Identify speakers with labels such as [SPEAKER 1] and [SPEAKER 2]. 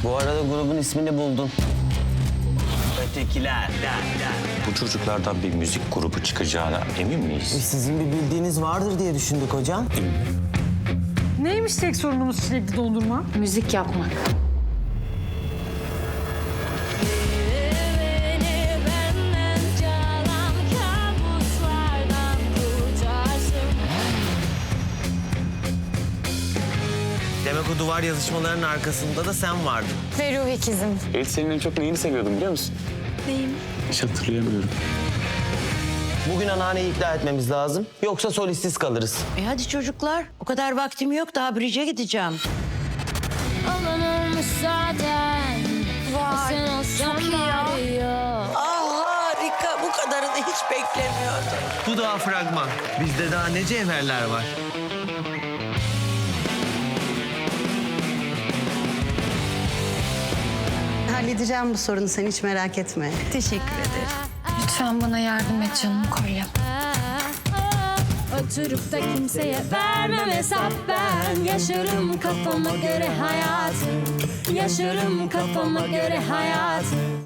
[SPEAKER 1] Bu arada grubun ismini buldun. Ötekiler.
[SPEAKER 2] Bu çocuklardan bir müzik grubu çıkacağına emin miyiz?
[SPEAKER 1] Sizin bir bildiğiniz vardır diye düşündük hocam.
[SPEAKER 3] Neymiş tek sorunumuz çilekli dondurma?
[SPEAKER 4] Müzik yapmak.
[SPEAKER 5] Beni benden çalan kabuslardan kurtarsın.
[SPEAKER 1] Demek o duvar yazışmalarının arkasında da sen vardın.
[SPEAKER 4] Ve ruh ikizim.
[SPEAKER 6] Evet, senin en çok neyini seviyordum biliyor musun?
[SPEAKER 5] Neyim?
[SPEAKER 6] Hiç hatırlayamıyorum.
[SPEAKER 1] Bugün anneanneyi ikna etmemiz lazım. Yoksa solistsiz kalırız.
[SPEAKER 7] Hadi çocuklar. O kadar vaktim yok. Daha bridge'e gideceğim.
[SPEAKER 5] Olan olmuş zaten. Sen olsan bari yok.
[SPEAKER 7] Harika. Bu kadarını hiç beklemiyordum.
[SPEAKER 1] Bu daha fragman. Bizde daha ne cevherler var.
[SPEAKER 8] Halledeceğim bu sorunu, sen hiç merak etme.
[SPEAKER 7] Teşekkür ederim.
[SPEAKER 4] Lütfen bana yardım et canım kolyem.
[SPEAKER 5] Oturup da kimseye vermem hesap ben. Yaşarım kafama göre hayatı. Yaşarım kafama göre hayatı.